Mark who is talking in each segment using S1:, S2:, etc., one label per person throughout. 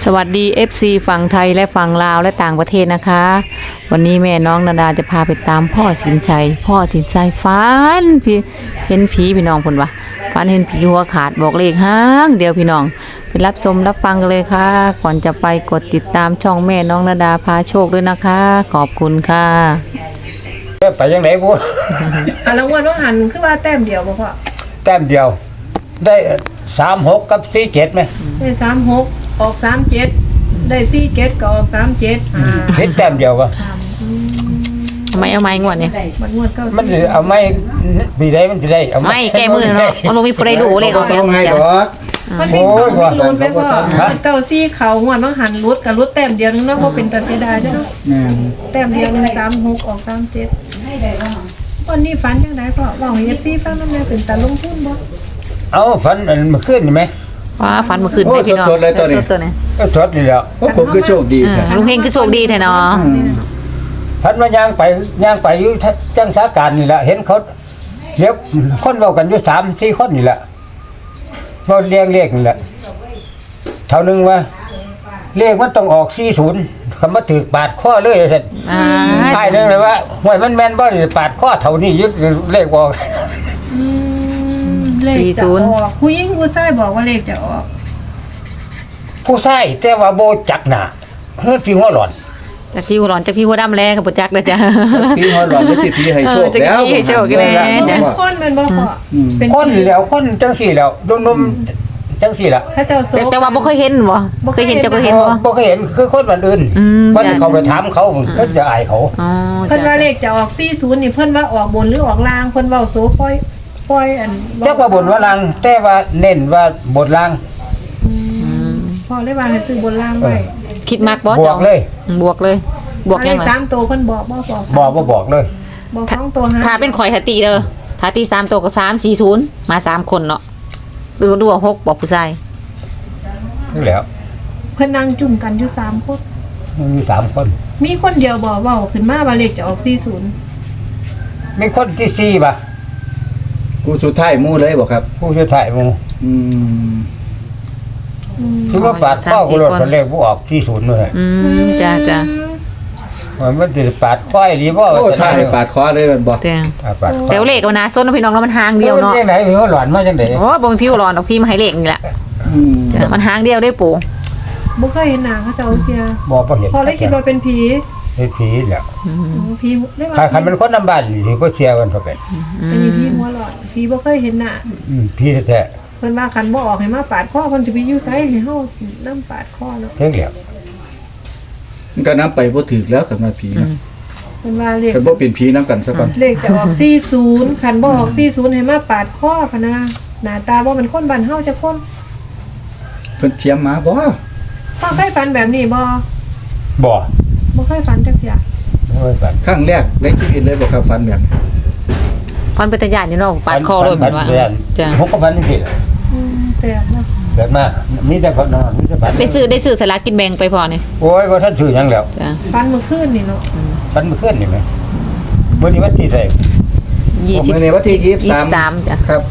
S1: สวัสดี FC ฝั่งไทยและฝั่งลาวและต่างประเทศนะคะวันนี้แม่น้องนาดาจะพาไปตามพ่อสินชัยฝันพี่เห็นผีพี่น้องพุ่นวะฝันเห็นผีหัวขาดบอกเลขห้างเดียวพี่น้องไปรับชมรับฟังกันเลยค่ะก่อนจะไปกดติดตามช่องแม่น้องนาดาพาโชคด้วยนะคะขอบคุณค่ะ
S2: ไปยังไหนกู
S3: แล้ววันว่าหันคือว่าแต้มเดียวบ่พ่อ
S2: แต้มเดียวได้36กับ47ไหม
S3: ได้36ออก37ได้47ก็ออก37
S2: เห็นแต้มเดียววะ
S1: ทำไมเอาไม้งวดเนี่ย
S3: มันงวด9
S2: มันสิเอาไม่ปีใดมันสิได้เอา
S1: ไม่แก้มือเนาะมันบ่มีผู้ใดรู้เลขออก
S4: ส่งให้ดอก
S3: มันมีเขามีลุ้นไปพ่อเก้าซี่เขางวดว่าหันรุดกับรุดแต้มเดียวนึงเนาะบ่เป็นตาเสียดายจ้ะเนาะ
S4: แม่น
S3: แต้มเดียวนึง36ออก37วันนี้ฝันจังได๋พ่อเว้าให้ FC ฟังนำแน่เป็นตาลงทุนบ่
S2: เอาฝันอันเมื่อคืนนี่ไหม
S1: ว้าฝันเมื่อคืนได้พี่น้องสดๆนี่
S2: ก็สดนี่แหล้ว
S4: โอ้ผมคือโชคดีแท้
S1: ลุงเฮงคือโชคดีแท้เนาะ
S2: ฝันว่าย่างไปอยู่จังสาการนี่แหละเห็นเขาเรียกคนเว้ากันอยู่3-4คนนี่แหละเว้าเรียงเลขนี่แหละเท่านึงว่าเลขมันต้องออก40คำว่าถูกปาดคอเลยซั่น ใช่นึงเลยว่าหวยมันแม่นบ่ได้ปาดข้อเท่านี้ยึดเลขบอก
S3: เลขจะออกผู้หญิงผู้ชายบอกว่าเลขจะออก
S2: ผู้ชายแต่ว่าโบจักหน้าเฮ็ดพี่หัวหลอน
S1: จากพี่หัวร้อนจากพี่หัวดำแลกับปุจักเลยจ้ะ
S4: พี่ฮอดหลอนได้สิพี่ให้โชคแล้ว
S1: ให้โชคแล้ว
S3: เป็นคนแม่นบ่พ่อเป็น
S2: คนแล้วคนจังสี่แล้วนุ่มๆจังสี่ล่ะ
S3: เขาเจ้าโซ
S1: แต่ว่าบ่เคยเห็นบ่เคยเห็นจะเคยเห็นบ่
S2: บ่เคยเห็นคือคนบ้านอื่น วันเขาไปถามเขาก็จะอายเขา
S1: อ๋อ
S3: เพิ่นว่าเลขจะออก40นี่เพิ่นว่าออกบนหรือออกล่างเพิ่นเว้าโซปล่อยอัน
S2: จักว่าบนว่าล่างแต่ว่าเน้นว่าบนล่าง
S3: พ่อเลยว่าให้ซื้อบนล่างไว้
S1: คิดมากบ่
S2: บ
S1: จ้ะ
S2: อกเลย
S1: บวกเลยบวกยัง
S3: เล
S1: ไง
S3: ข3ตัวเพิ่นบอกบ่บอก
S2: บอกเลย
S3: บอก2ตัว
S1: ถ้าเป็นข่อยถ้าตีเด้อถ้าตี3ตัวก็340มา3คนเนาะดูว่า6บอกผู้ชาย
S2: นี่แหล้ว
S3: เพิ่นนั่งจุ่มกันอยู่3คน
S2: มี3คน
S3: มีคนเดียวบอกเว้าขึ้นมาว่าเลขจะออก40
S2: มีคนที่4ป่ะ
S4: ผู้สุดท้ายหมู่เลยบ่ครับ
S2: ผู้ช่วยถ่ายหมู่
S4: อืม
S2: คือว่าปาดข้อกูรถเลขบ่ออก40เลย
S1: จ้ะ
S2: มันสิปาดข้อยหรือบ่
S4: โอ้ท้ายปาดคอเลยมันบ่
S1: แต่
S2: ปาด
S1: แต่เลขก็น่าสนนะพี่น้องแล้วมันหางเดียวเนาะ
S2: จังไหนมีหัวหลอนมาจังได๋
S1: โอ้บ่มีพี่หัวร้อนดอกพี่มาให้เลขนี่แหละ
S4: อืม
S1: จ้ะมันหางเดียวได้ปู่
S3: บ่เคยเห็นหน้าเขาเจ้าเที่ย
S2: บ่เห็น
S3: พอเลยคิดว่าเป็นผี
S2: เฮ็ดผีแหล้ว
S3: ผีเรียกว่า
S2: ใครเป็นคนนำบ้านนี่สิบ่เชื่อกันเท่ากัน
S3: อันนี้ผีหัวหลอนผีบ่เคยเห็นหน้า
S2: ผีแท้
S3: เพิ่นว่าคันบ่ออกให้มาปาดคอเพิ่นจะไปอยู่ไสให้เฮานำปาดคอเนาะ
S2: ๆเท่งแล้ว
S4: มันก็นำไปบ่ถึกแล้วกับมาผีนะ
S3: เพิ่นว่าเลข
S4: คันบ่เป็นผีนํกันซะก่อน
S3: เลขจะออก40คันบ่ออก40ให้มาปาดคอพะนะหน้าตาบ่เป็นคนบ้านเฮาจักคน
S4: เพิ่นเทียมมาบ่
S3: พ่อเคยฝันแบบนี้บ่
S2: บ่
S3: บ่เคยฝันจักอย่าง
S2: โอ้ยฝัน
S4: ครั้งแรกในชีวิตเลยบ่ครับฝันแบบนี้
S1: ฟันเป็นตะยานอยู่เนาะปาดคอเลยเหมือนว่าจ้ะ
S2: ผมก็ฝันจังซี่
S3: แปลกเนาะ
S2: เกิดมามีแต่ฝันนอนมีแต่ฝัน
S1: ได้ซื้อสลากกินแบ่งไปพอนี่
S2: โอ้ยบ่ทันซื้อหยังแล้ว
S1: จ้ะ
S3: ฝันเมื่อคืนนี่เนาะ
S2: ฝันเมื่อคืนนี่แหมมื้อนี้วันที่เท่าไหร่
S1: 20
S4: มื้อนี้วันที่23
S1: 23จ้ะ
S4: ครับ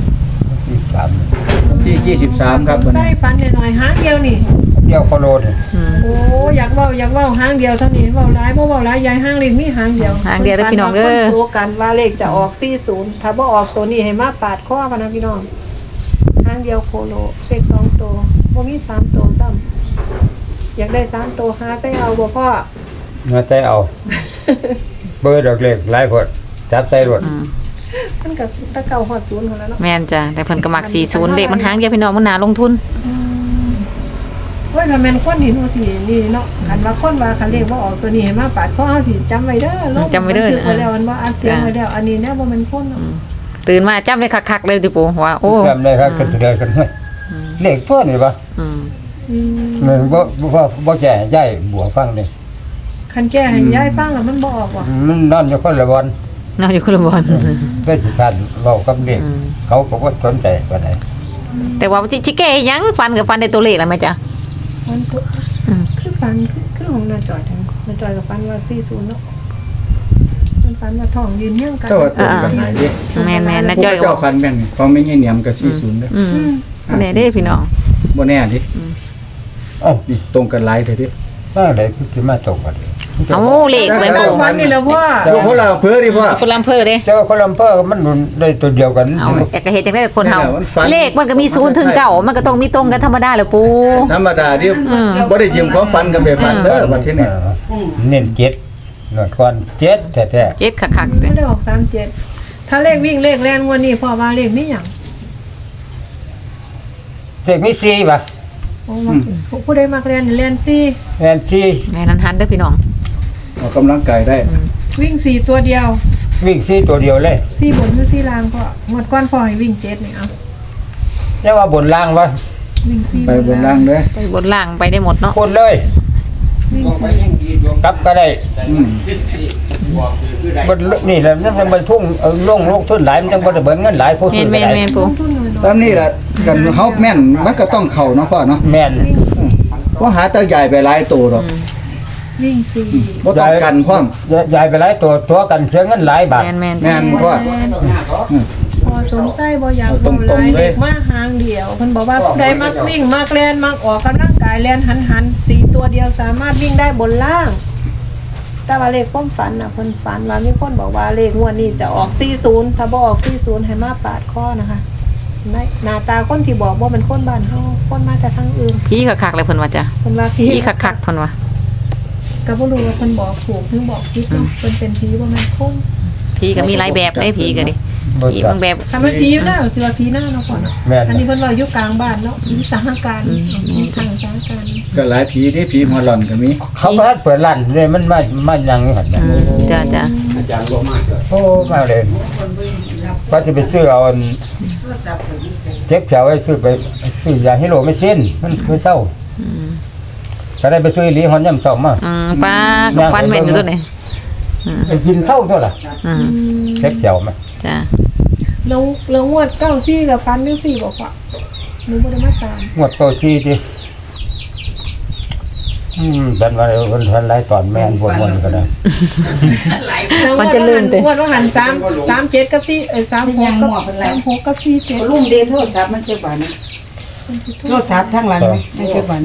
S2: 23
S4: วันที่23ครับวัน
S3: ใช่
S4: นี้
S3: ฝันหน่อยๆหางเดียวนี่
S2: เที่ยวโคโลน
S3: โอ้อยากเว้าหางเดียวเท่านี้เว้าหลายบ่เว้าหลายยายหางเลขมีหางเดียว
S1: หางเดียวเด้อพี่น้องเด้อ
S3: พิ่ฝัว่าคนโซกันว่าเลขจะออก40ถ้าบ่ออกตัวนี้ให้มาปาดคอพะนะพี่น้องหางเดียวโคโลเลข2ตัวบ่มี3ตัวซ้ำอยากได้3ตัวหาใส่เอาบ่พ่อ
S2: มาใจเอา เบอร์ดอกเล็กหลายพดจับใส่รถ
S3: มันก็ตะเก่าฮอด0พุ่นแล้วเนาะ
S1: แม่นจ้ะแต่เพิ่นก็มัก40เลขมันหางเดียวพี่น้องมันน่าลงทุน
S3: โอ้ยถ้าแม่นคนนี่หนูสินี่เนาะคันว่าคนว่าคันเลขบ่ออกตัวนี้ให้มาปาดคอเฮาสิจำไว้เด้อลง
S1: จำไว้เด้อ
S3: บันทึกไว้แล้วมันบ่อัดเสียงไว้แล้วอันนี้แน่บ่แม่นคนเนาะ
S1: ตื่นมาจำได้คักๆเลยติปู่ว่าโอ้
S2: จำได้ครับกันเดินกันห้วยเลขตัวนี่บ่
S1: อืม
S2: มันบ่แก่ย้ายบัวฟังเด้
S3: คันแก้ให้ยายฟังแล้วมันบ่ออกว่ะ
S2: มันนอนอยู่คนละบอน
S1: นอนอยู่คนละบอน
S2: ได้สิทันเว้ากับเด็กเขาก็บ่สนใจปานใด
S1: แต่ว่าจิแก้ยังฟันกับฟันได้ตัวเลขแล้วไหมจ๊ะ
S3: มันตัวคือฟันคือของนาจอยทั้งนาจอยกับฟันว่า40เนาะมันฟันว่าท้องยืนเฮียงกัน
S4: เจ้าว่าตรงกันหลายเด้
S1: แม่นๆนะจ้อยก็
S4: เจ้าฟันแม่นของแม่ใหญ่เหนียมก็40เด้อ
S1: แน่เด้พี่น้อง
S4: บ่แน่ดิ
S2: เอ้า
S4: นี่ตรงกันหลายเถิดดิ
S2: มาได้คือสิมาตกกัน
S1: เอาเลขไว้
S3: แม่
S1: ปู่
S3: ฝันนี่แหล้วพ่อ
S4: อยู่คนละอำเภอดิพ่อ
S1: คนลำเภอเด้
S2: เจ้าคนลำเภอมันได้ตัวเดียวกัน
S1: เอาแอกกะเฮ็ดจังได๋คนเฮา
S4: นั่นแหละมันฝัน
S1: เลขมันก็มี0ถึง9มันก็ต้องมีตรงกันธรรมดาแหละปู่
S4: ธรรมดาที่บ่ได้ยืมความฝันกันไปฝันเด้อบัดทีนี้
S2: เน้น7นวดก่อน7แท้
S1: เจ็ดคักๆเด้
S3: ไม่ได้ออก37ถ้าเลขวิ่งเลขแล่นงวดนี้พ่อว่าเลขมีหยัง
S2: ๆเด็กมี4ป่ะ
S3: โอ้ว่าผู้ใดมักแล่นนี่แล่นซี่
S2: แม่น4
S1: แม่นันหันเด้อพี่น้อง
S4: ออกกำลังกายได้
S3: วิ่ง4ตัวเดียว
S2: วิ่ง4ตัวเดียวเลย
S3: 4บนหรือ4ล่างพ่องวดก่อนพ่อให้วิ่ง7นี่เอา
S2: แต่ว่าบนล่างว่า
S3: วิ่ง4
S4: ไปบนล่างเด้อ
S1: ไปบนล่างไปได้หมดเนาะ
S2: คนเลย
S3: วิ่ง4
S2: กลับก็ได้
S4: อืม
S2: บนนี่แหละมันบรรทุ่งลงทุนหลายมันจังบ่ได้เบิดเงินหลายผู้
S1: แม่
S2: ซื้อน ก็
S1: แม่น
S2: ได้
S1: แม่น
S3: ล
S1: ปู่
S3: งทุนน้อย
S4: ตามนี้ล่ะกันเฮาแม่นมันก็ต้องเข้าเนาะพ่อเนาะ
S2: แม่น
S4: บ่หาตาใหญ่ไปหลายตัวดอก
S3: ๆวิ่ง4
S4: บ่ต้องกันพร้อม
S2: ยายไปหลายตัวกันเสียเงินหลายบาท
S1: แม่นแม่น
S4: แม่นพ่อ
S3: พอสนใจบ่อยาก
S4: เอาตรงๆ
S3: บ่หลาย
S4: เลย
S3: เด็กมาหางเดียวเพิ่นบอกว่าผู้ใดมักวิ่งมักแล่นมักออกกำลังกายแล่นหัน4ตัวเดียวสามารถวิ่งได้บนล่าง แต่ว่าเลขความฝันน่ะเพิ่นฝันว่ามีคนบอกว่าเลขงวดนี้จะออก40ถ้าบ่ออก40ให้มาปาดข้อนะคะหน้าตาคนที่บอกว่าเป็นคนบ้านเฮาคนมาแต่ทางอื่น
S1: พี่คักๆเลยเพิ่นว่าจ้ะ
S3: เพิ่นว่าผี
S1: พี่คักๆเพิ่นว่า
S3: ก็บ่รู้ว่าเพิ่นบอกถูกหรือบอกผิดเนาะเพิ่นเป็นผีบ่แม่นคน
S1: พี่ก็มีหลายแบบเด้ผีก็ดิ
S2: บ่
S1: ผี
S2: จั
S1: บาก งแบบ
S3: ถ้ามันผีอยู่แล้วสิว่าผีหน้าเนาะก่อนเนาะ
S2: แม่น
S3: อันนี้เพิ่นว่าอยู่กลางบ้านเนาะมีสถานการณ์มีทางสถานการณ์
S4: ก็หลายผีนี่ผีหัวหล่อนก็มี
S2: เขาก็เปิดร้านเลยมันมายังอยู่หั่นน่ะ
S1: จ้ะจ้ะ
S2: โอ้มาเลยว่าจะไปซื้อเอาอันเจ็บแถวไว้ซื้อยาฮิโรไม่สิ้นมันคือเศร้าก็ได้ไปซื้ออีหลีฮอนย่ำเศร้ามา
S1: ป้ากับฟันแม่นอยู่ตัวนี้
S2: ไปกินเศร้าเท่าล่ะ
S1: อืม
S2: เจ็บแถวมา
S1: จ้ะ
S3: แล้วงวด94กับฟันจังซี่บอกว่าหนูบ่ได้มาตาม
S2: งวดโตที่ที่เป็นว่าคนทันหลายตอนแม่นวนๆก็ได้
S1: มันจะลื่นเตะ
S3: งวดว่าหัน37กับ4 36กับ47
S5: ลุงเดนโทรศัพท์มันเจ็บบาดนี้โทรศัพท์ทั้งหลังไหมมันเจ็บบาดนี้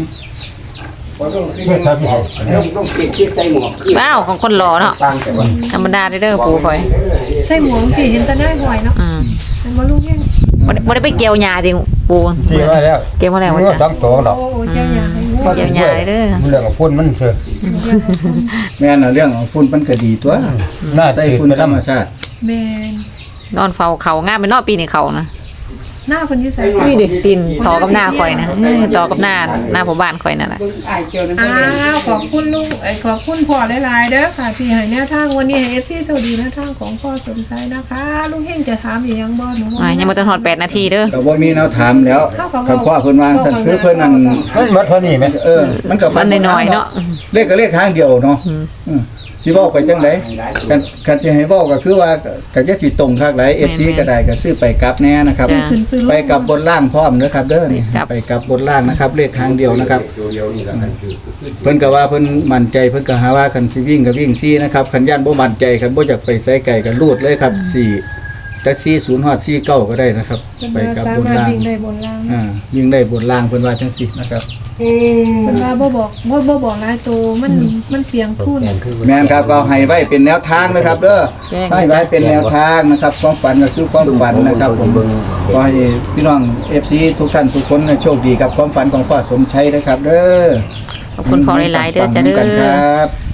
S1: ว้าวของคนหล่อเนาะธรรมดาเด้อปู่คอย
S3: ใช่หมวงสิเห็นแต่หน้าบ่อยเนาะ มันบ่รู้ยัง
S1: บ่ได้ไปเกี่ยวหญ้าติปู่
S2: ที่ว่าแล้ว
S1: เกี่ยวมาแล้วว่า
S2: ว่า
S1: จ้ะ
S2: สองตัวดอก
S3: โอ้เจ้าหยาให้งู
S1: เกี่ยวหญ้าเด้อ
S2: เรื่องของพุ่นมันเถอะ
S4: แม่นน่ะเรื่องของฝุ่นมันก็ดีตัว
S2: น่า
S4: ใส่
S2: ตื่น
S4: ฝุ่น
S2: ไป
S4: ธรรม
S2: นำ
S4: ชาติ
S3: แม่น
S1: นอนเฝ้าเขางามเป็นนอปีนี่เขานะ
S3: หน้าเพิ่นอยู่ไส
S1: นี่ดิตีนต่อกับหน้าข่อยนะต่อกับหน้าผมบ้านข่อยนั่นแหละ
S5: เบิ่งอ้ายเกี่ยวนั่น
S3: อ้
S5: บ่ได้
S3: าวขอบคุณลุงขอบคุณพ่อหลายๆเด้อค่ะที่ให้แนวทางวันนี้ให้ FC สวัสดีแนวทางของพ่อสมชายนะคะลุงเฮงจะถามอีกยังบ่หนูบ่
S1: ยังบ่ทันฮอด8นาทีเด้อ
S4: ก็บ่มีแนวถามแล้วคำพ่อเพิ่นวางซั่นคือเพิ่นนั่น
S2: มันหมดเท่านี้ไหม
S4: มันก็
S1: ฟันน้อยๆเนาะ
S4: เลขก็เลขทางเดียวเนาะสิเว้าไปจังไดกันสิให้เว้าก็คือว่าก็จะสิตรงคักหลาย FC ก็ได้ก็ซื้อไปกลับแน่นะครับ
S3: ขึ้นซื้อ
S4: ไปกับบนล่างพร้อมเด้อครับเด้อนี่ไปกับบนล่างนะครับ เลขทางเดียวนะครับเพิ่นก็ว่าเพิ่นมั่นใจเพิ่นก็หาว่าคันสิวิ่งก็วิ่งซี่นะครับคันย่านบ่มั่นใจคันบ่อยากไปไสไกลก็รูดเลยครับ4แต่40ฮอด49ก็ได้นะครับ ไปกับบน
S3: สามารถ
S4: ล่าง
S3: วิ่งได้บนล่าง
S4: วิ่งได้บนล่างเพิ่นว่าจังซี่นะครับ
S3: เพิ่นว่าบ่บอกหลายโตมันเพียงทุน
S4: แม่นครับก็ให้ไว้เป็นแนวทางนะครับเด้อให้ไว้เป็นแนวทางนะครับความฝันก็คือความฝันนะครับผมขอให้พี่น้อง FC ทุกท่านทุกคนโชคดีกับความฝันของพ่อสมชัยนะครับเด้อ
S1: ขอบคุณพ่อหลายๆเด้อจ้ะเด้
S4: กันค
S1: อ
S4: รับ